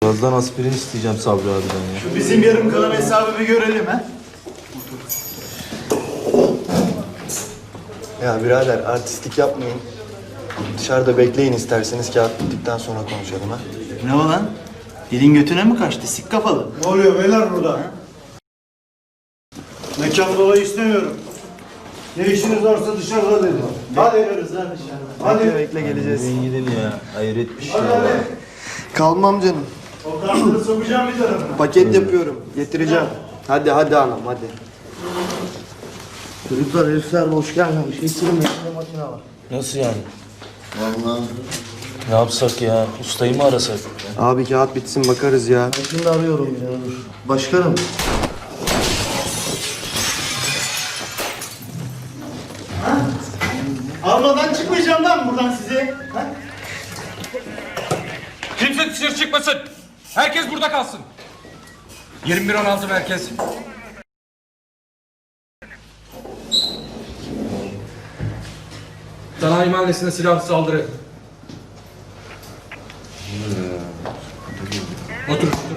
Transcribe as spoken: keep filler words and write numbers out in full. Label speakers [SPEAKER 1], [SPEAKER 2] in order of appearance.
[SPEAKER 1] Birazdan aspirin isteyeceğim Sabri abiden ya.
[SPEAKER 2] Şu bizim yarım kalan hesabı bir görelim ha.
[SPEAKER 3] Ya birader artistlik yapmayın. Dışarıda bekleyin isterseniz kağıt bittikten sonra konuşalım ha.
[SPEAKER 2] Ne o lan? Dilin götüne mi kaçtı? Sik kafalı.
[SPEAKER 4] Ne oluyor beyler burada? Mekan dolayı istemiyorum. Ne işiniz varsa dışarıda dedim.
[SPEAKER 2] Hadi veriyoruz lan dışarıda.
[SPEAKER 4] Hadi.
[SPEAKER 3] Bekle bekle geleceğiz.
[SPEAKER 1] Ben gidin ya. Hayret bir şey
[SPEAKER 4] Hadi
[SPEAKER 1] ya.
[SPEAKER 4] hadi.
[SPEAKER 3] Kalmam canım.
[SPEAKER 4] O kartları sokacağım bir tarafına.
[SPEAKER 3] Paket yapıyorum. Getireceğim. Hadi hadi anam hadi. Çocuklar herifler hoş gelmemiş. Getirin bekle makine var.
[SPEAKER 1] Nasıl yani? Ne yapsak ya? Ustayı mı arasak?
[SPEAKER 3] Abi kağıt bitsin bakarız ya.
[SPEAKER 4] Ben şimdi arıyorum ya. Dur.
[SPEAKER 3] Başkanım.
[SPEAKER 2] Almadan çıkmayacağım lan buradan sizi. Ha?
[SPEAKER 5] Kimse dışarı çıkmasın. Herkes burada kalsın. yirmi bir on altı merkez. Sanayi mahallesine silahlı saldırı. Otur, otur.